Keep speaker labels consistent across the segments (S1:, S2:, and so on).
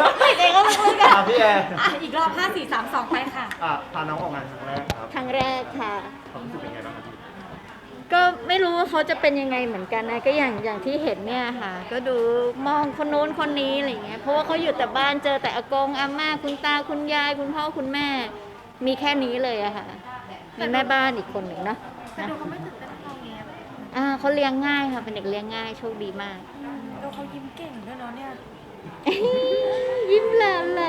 S1: หายใจก็ลึกๆอ่ะ
S2: พี่แอร์
S3: อีกรอบ5 4 3 2ไปค่ะ
S2: พาน้องออกงานครั้งแรกครับ
S1: ครั้งแรกค่ะ
S2: ความรู้สึกเป็นไงบ้างครับพี่
S1: ก็ไม่รู้ว่าเขาจะเป็นยังไงเหมือนกันนะก็อย่างที่เห็นเนี่ยค่ะก็ดูมองคนโน้นคนนี้อะไรเงี้ยเพราะว่าเขาอยู่แต่บ้านเจอแต่อากงอาม่าคุณตาคุณยายคุณพ่อคุณแม่มีแค่นี้เลยอะค่ะมีแม่บ้านอีกคนหนึ่งเนาะ
S3: แต่ดูเขาไม่ตื่นเต้นเท่านี้
S1: เขาเลี้ยงง่ายค่ะเป็นเด็กเลี้ยงง่ายโชคดีมาก
S3: ดูเขายิ้มเก่งด้วยเนาะเนี่ย
S1: ยิ้มแหลมแหล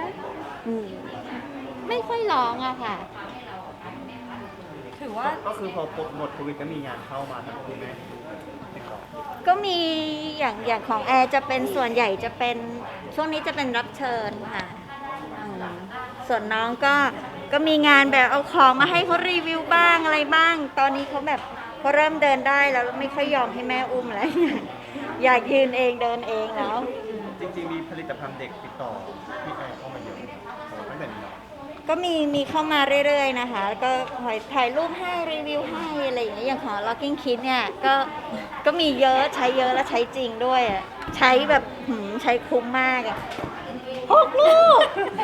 S1: ไม่ค่อยร้องอะค่ะ
S3: ถือว่า
S2: ก็คือพอหมดโควิดก็มีงานเข้ามาทั้งคุณแม่ติดต่อ
S1: ก็มีอย่างของแอร์จะเป็นส่วนใหญ่จะเป็นช่วงนี้จะเป็นรับเชิญค่ะส่วนน้องก็มีงานแบบเอาของมาให้เขารีวิวบ้างอะไรบ้างตอนนี้เขาแบบเขาเริ่มเดินได้แล้วไม่ค่อยยอมให้แม่อุ้มแล้วอยากยืนเองเดินเองแล้ว
S2: จริงๆมีผลิตภัณฑ์เด็กติดต่อพี่แอร์เข้ามาเยอะตั้งแต่นี้
S1: ก็มีเข้ามาเรื่อยๆนะคะแล้วก็ถ่ายรูปให้รีวิวให้อะไรอย่างเงี้ยอย่างของ Locking Kid เนี่ยก็มีเยอะใช้เยอะและใช้จริงด้วยใช้แบบใช้คุ้มมาก6 ลูก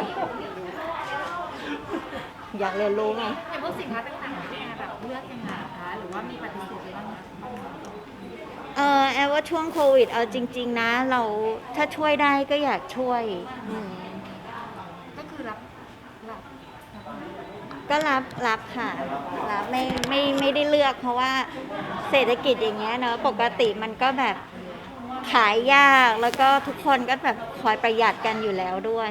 S1: อยากเรียนรู้ไง
S3: อย่างพวกสินค้าต่างๆที่แบบเลือกยังไงคะหรือว่ามีปฏิเสธบ้าง
S1: แอลว่าช่วงโควิดเอาจริงๆนะเราถ้าช่วยได้ก็อยากช่วย
S3: ก็คือรับ
S1: ก็รับค่ะรับไม่ได้เลือกเพราะว่าเศรษฐกิจอย่างเงี้ยเนอะปกติมันก็แบบขายยากแล้วก็ทุกคนก็แบบคอยประหยัดกันอยู่แล้วด้วย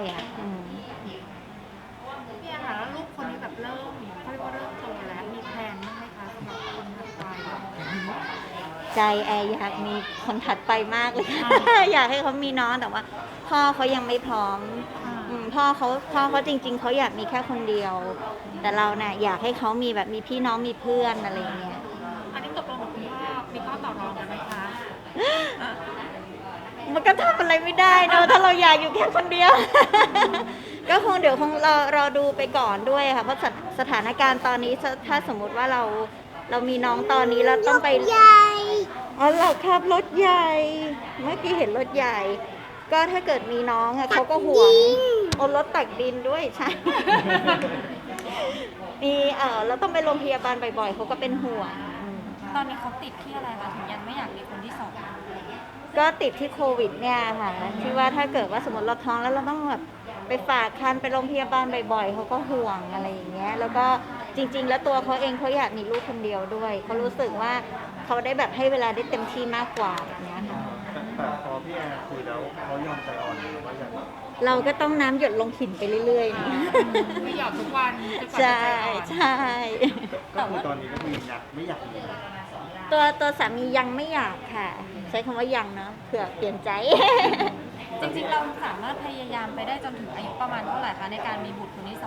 S3: พี่แอนค่ะแล้วลูกคนนี้แบบเริ่มเขาเรียกว่าเริ่มโตแล้วมีแพลนบ้างไหมคะสำหรับคนถัดไป
S1: ใจแอร์อยากมีคนถัดไปมากเลยอยากให้เขามีน้องแต่ว่าพ่อเขายังไม่พร้อมพ่อเขาจริงๆเขาอยากมีแค่คนเดียวแต่เราเนี่ยอยากให้เขามีแบบมีพี่น้องมีเพื่อนอะไรเงี้ย
S3: อันนี้ตกลงกับคุณพ่อมีข้อต่อรองกันไหมคะ
S1: มันก็ทำอะไรไม่ได้เนอะถ้าเราอยากอยู่แค่คนเดียวก็คงเดี๋ยวคงรอดูไปก่อนด้วยค่ะเพราะสถานการณ์ตอนนี้ถ้าสมมุติว่าเรามีน้องตอนนี้เราต้องไปใหญ่เราขับรถใหญ่เมื่อกี้เห็นรถใหญ่ก็ถ้าเกิดมีน้องเขาก็ห่วงรถตักดินด้วยใช่มีเราต้องไปโรงพยาบาลบ่อยๆเขาก็เป็นห่วง
S3: ตอนนี้เขาติดที่อะไรคะถึงยังไม่อยากมีคนที่2
S1: ก็ติดที่โควิดเนี่ยค่ะที่ว่าถ้าเกิดว่าสมมติเราท้องแล้วเราต้องแบบไปฝากครรภ์ไปโรงพยาบาลบ่อยๆเขาก็ห่วงอะไรอย่างเงี้ยแล้วก็จริงๆแล้วตัวเขาเองเขาอยากมีลูกคนเดียวด้วยเขารู้สึกว่าเขาได้แบบให้เวลาได้เต็มที่มากกว่าแบบนี้ค่ะ
S2: แต่พอพี่แอร์คุยแล้วเขายอมใจอ่อนว่าอย่าง
S1: เราก็ต้องน้ำหยดลงหินไปเรื่อย
S3: ๆไม่หยอดทุกวัน
S1: ใช่ใช่
S2: แต่ว่าตอนนี้ก็คืออยากไม่อยากมี
S1: ตัวสามียังไม่อยากค่ะใช้คำว่ายังเนาะเผื่อเปลี่ยนใจ
S3: จริงๆเราสามารถพยายามไปได้จนถึงอายุประมาณเท่าไหร่คะในการมีบุตรคนที่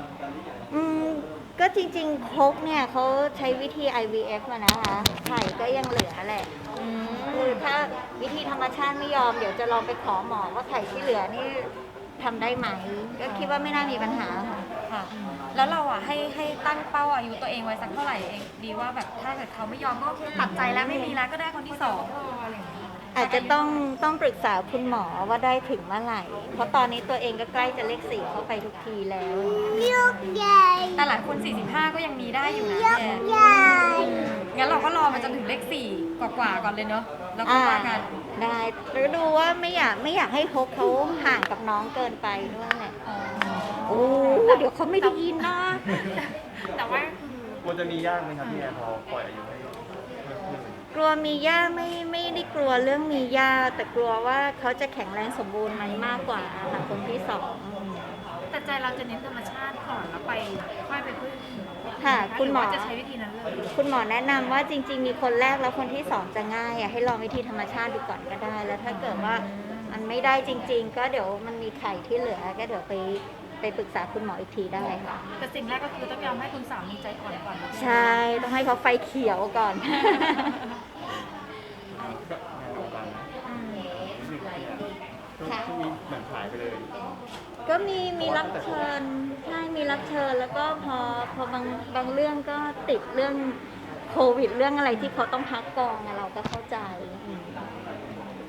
S1: ก็จริงๆครกเนี่ยเขาใช้วิธี IVF อะนะคะไข่ก็ยังเหลือแหละคือถ้าวิธีธรรมชาติไม่ยอมเดี๋ยวจะลองไปขอหมอว่าไข่ที่เหลือนี่ทำได้ไหมก็คิดว่าไม่น่ามีปัญหา
S3: ค่ะแล้วเราให้ตั้งเป้าอายุตัวเองไว้สักเท่าไหร่เองดีว่าแบบถ้าเกิดเขาไม่ยอมก็ตัดใจแล้วไม่มีแล้วก็ได้คนที่2อะไรอย่างเงี้ย
S1: อาจจะต้องปรึกษาคุณหมอว่าได้ถึงเมื่อไหร่เพราะตอนนี้ตัวเองก็ใกล้จะเลข4เข้าไปทุกทีแล้ว
S3: ลูกใหญ่แต่หลายคน45ก็ยังมีได้อยู่นะใหญ่งั้นเราก็รอมาจนถึงเลข4กว่าๆก่อนเลยเนาะแล้วก็ว่ากัน
S1: ได้หรือดูว่าไม่อยากให้ฮกเขาห่างกับน้องเกินไปด้วยแหละโอ้เดี๋ยวเขาไม่ได้ยินนะ
S3: แต่ว่า
S2: ควรจะมียากไหมครับพี่แอร์พอปล่อยอายุให้
S1: กลัวมีย่าไม่ได้กลัวเรื่องมีย่าแต่กลัวว่าเขาจะแข็งแรงสมบูรณ์ไหมมากกว่าค่ะคนที่2
S3: แต่ใจเราจะเน้นธรรมชาติก่อนแล้วไปค่อยไปพึ่ง
S1: ค่ะคุณหมอ
S3: จะใช้วิธีนั้นเลย
S1: คุณหมอแนะนำว่าจริงๆมีคนแรกแล้วคนที่2จะง่ายให้ลองวิธีธรรมชาติดูก่อนก็ได้แล้วถ้าเกิดว่ามันไม่ได้จริงๆก็เดี๋ยวมันมีไข่ที่เหลือก็เดี๋ยวไปปรึกษาคุณหมออีกทีได้ค่ะ
S3: แต่สิ่งแรกก็คือต้องยอมให้คุณสามีใจอ่อนก่อน
S1: ใช่ต้องให้เขาไฟเขียวก่อน
S2: ค่ะเหมือนหายไปเลย
S1: ก็มีรับเชิญใช่มีรับเชิญแล้วก็พอบางเรื่องก็ติดเรื่องโควิดเรื่องอะไรที่เขาต้องพักกองเราก็เข้าใจ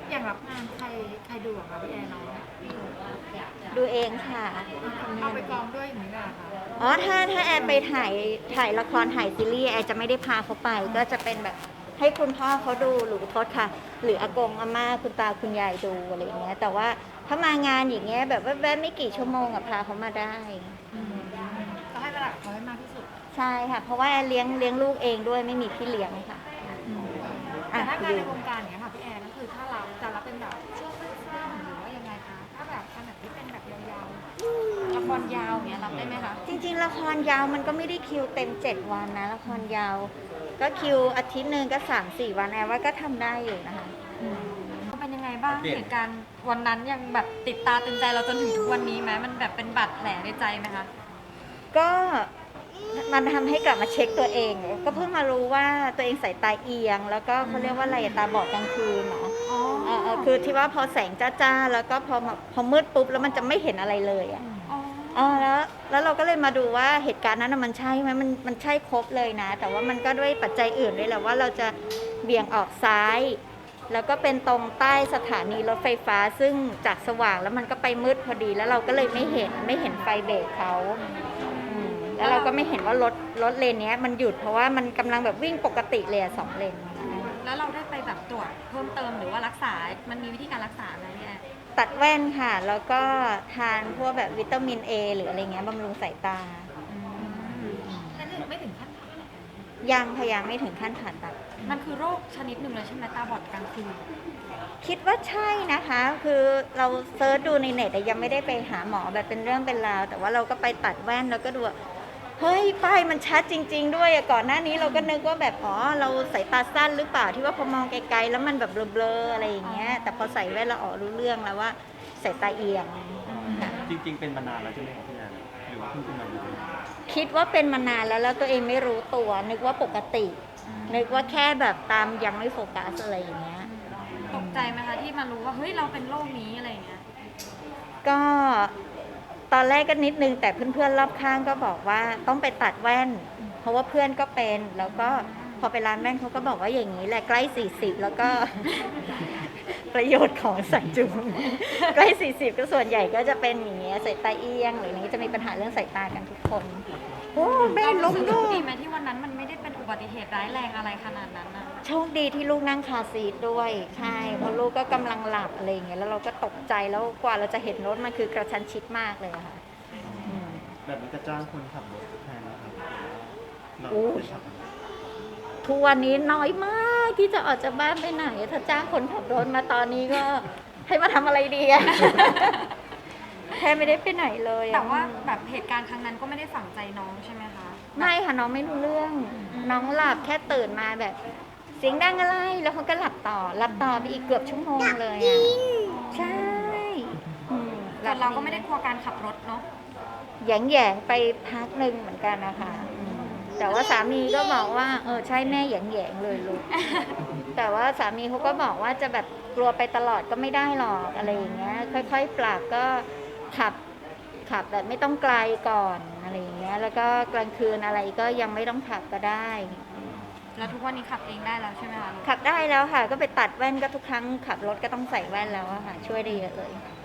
S4: อย่างรับงานใครดูอะคะพี่แอนน้อง
S1: ดูเองค่ะ
S4: เอาไปกองด้วยอย่างนี้แหละค่ะ
S1: อ๋อถ้าแอนไปถ่ายละครถ่ายซีรีส์แอนจะไม่ได้พาเขาไป ก็จะเป็นแบบให้คุณพ่อเขาดูหรือโทษค่ะ หรืออากงอาม่าคุณตาคุณยายดูอะไรอย่างเงี้ย แต่ว่าถ้ามางานอย่างเงี้ยแบบแวบๆไม่กี่ชั่วโมงอะพาเขามาได้
S4: ก็ให้เวลากับเขาให้มากที่สุด
S1: ใช่ค่ะ เพราะว่าแอนเลี้ยงลูกเองด้วยไม่มีพี่เลี้ยงค่ะ
S4: แต่ถ้างานในวงการอย่างเงี้ยค่ะพี่แอนก็คือถ้าเราจะรับเป็นแบบช่วงสั้นๆหรือว่ายังไงคะถ้าแบบขนาดที่เป็นแบบยาว
S3: ละครยาวอย่างเงี้ยรับได้ไหมคะ
S1: จริงๆละครยาวมันก็ไม่ได้คิวเต็ม7 วันนะละครยาว ก็คิวอาทิตย์หนึ่งก็3-4 วันแอนว่าก็ทำได้อยู่นะคะ
S3: เป็นยังไงบ้างเหตุการณ์วันนั้นยังแบบติดตาตึงใจเราจนถึงทุกวันนี้ไหมมันแบบเป็นบาดแผลในใจไหมคะ
S1: ก็มันทำให้กลับมาเช็คตัวเอง ก็เพิ่งมารู้ว่าตัวเองสายตาเอียง แล้วก็เขาเรียกว่าอะไรตาบอดกลางคืนเนาะ
S3: อ๋อ
S1: คือที่ว่าพอแสงจ้าๆแล้วก็พอมืดปุ๊บแล้วมันจะไม่เห็นอะไรเลยอ่ะ
S3: อ๋อ
S1: แล้วเราก็เลยมาดูว่าเหตุการณ์นั้นน่ะมันใช่ไหมมันใช่ครบเลยนะ แต่ว่ามันก็ด้วยปัจจัยอื่นด้วยแหละว่าเราจะเบี่ยงออกซ้าย แล้วก็เป็นตรงใต้สถานีรถไฟฟ้า ซึ่งจากสว่างแล้วมันก็ไปมืดพอดีแล้วเราก็เลยไม่เห็นไฟเบรกเขาแล้วเราก็ไม่เห็นว่ารถเลนเนี้ยมันหยุดเพราะว่ามันกำลังแบบวิ่งปกติเลยอะ2 เลน
S3: แล้วเราได้ไปแบบตรวจเพิ่มเติมหรือว่ารักษา มันมีวิธีการรักษาไหมพี่แอน
S1: ตัดแว่นค่ะ แล้วก็ทานพวกแบบวิตามินเอหรืออะไรเงี้ยบำรุงสายตา
S4: ๆนั่นไม่ถึงขั้น
S1: ยังพยายามไม่ถึงขั้นผ่าตัด
S3: มันคือโรคชนิดหนึ่งเลยใช่ไหมตาบอดกลางคืน
S1: คิดว่าใช่นะคะ คือเราเซิร์ชดูในเน็ตแต่ยังไม่ได้ไปหาหมอแบบเป็นเรื่องเป็นราว แต่ว่าเราก็ไปตัดแว่นแล้วก็ดูว่าเฮ้ยป้ายมันชัดจริง ๆ ด้วยอะก่อนหน้านี้เราก็นึกว่าแบบอ๋อเราสายตาสั้นหรือเปล่าที่ว่าพอมองไกลๆแล้วมันแบบเบลอๆอะไรอย่างเงี้ย แต่พอใส่แว่นเราอ๋อรู้เรื่องแล้วว่าสายตาเอียงค่ะ
S2: จริง ๆ เป็นมานานแล้วใช่ไหมครับพี่แอนหรือว่าเพิ่งเป็นมาอยู่
S1: คิดว่าเป็นมานานแล้วตัวเองไม่รู้ตัว นึกว่าปกติ นึกว่าแค่แบบตามยังไม่โฟกัสอะไรอย่างเงี้ย
S3: ตกใจไหมคะที่มารู้ว่าเฮ้ยเราเป็นโรคนี้อะไรอย่างเงี้ย
S1: ก็ตอนแรกก็นิดนึงแต่เพื่อนๆรอบข้างก็บอกว่าต้องไปตัดแว่น เพราะว่าเพื่อนก็เป็นแล้วก็พอไปร้านแว่นเขาก็บอกว่าอย่างนี้แหละใกล้40แล้วก็ ประโยชน์ของสายจูง ใกล้40ก็ส่วนใหญ่ก็จะเป็นอย่างเงี้ยสายตาเอียงหรืออย่างนี้จะมีปัญหาเรื่องสายตากันทุกคนโอ้แม่ล้ม
S3: โช
S1: ด้
S3: คว ดี
S1: ย
S3: ไหมที่วันนั้นมันไม่ได้เป็นอุบัติเหตุร้ายแรงอะไรขนาดนั้นนะ
S1: โชคดีที่ลูกนั่งคาร์ซีทด้วยใช่เพราะลูกก็กำลังหลับอะไรอย่างเงี้ยแล้วเราก็ตกใจแล้วกว่าเราจะเห็นรถมันคือกระชั้นชิดมากเลยอะค่ะอืม
S2: แบบนี้จะจ้างคนขับรถแทนนะครับเรา
S1: โอ้ย
S2: จะขับ
S1: ทุกวันนี้น้อยมากที่จะออกจากบ้านไปไหน ถ้าจ้างคนขับรถมาตอนนี้ก็ให้มาทำอะไรดีอะ แทบไม่ได้ไปไหนเลยอะ
S3: แต่ว่าแบบเหตุการณ์ครั้งนั้นก็ไม่ได้ฝังใจน้องใช่ไหมคะ
S1: ไม่ค่ะน้องไม่รู้เรื่อง น้องหลับแค่ตื่นมาแบบ เสียงดังอะไรแล้วเขาก็หลับต่อไปอีกเกือบชั่วโมงเลยอะใช่อืม
S3: แต่เราก็ไม่ได้กลัวการขับรถเนาะ
S1: แหยงไปพักหนึ่งเหมือนกันนะคะอืมแต่ว่าสามีก็บอกว่าใช่แม่แหยงเลยลูก แต่ว่าสามีเขาก็บอกว่าจะแบบกลัวไปตลอดก็ไม่ได้หรอกอะไรอย่างเงี้ย ค่อยๆปรับก็ขับแบบไม่ต้องไกลก่อนอะไรอย่างเงี้ย แล้วก็กลางคืนอะไรก็ยังไม่ต้องขับก็ได้
S3: แล้วทุกวันนี้ขับเองได้แล้วใช่ไหมคะ
S1: ขับได้แล้วค่ะ ก็ไปตัดแว่นก็ทุกครั้งขับรถก็ต้องใส่แว่นแล้วอะค่ะ ช่วยได้เยอะเลย
S3: อ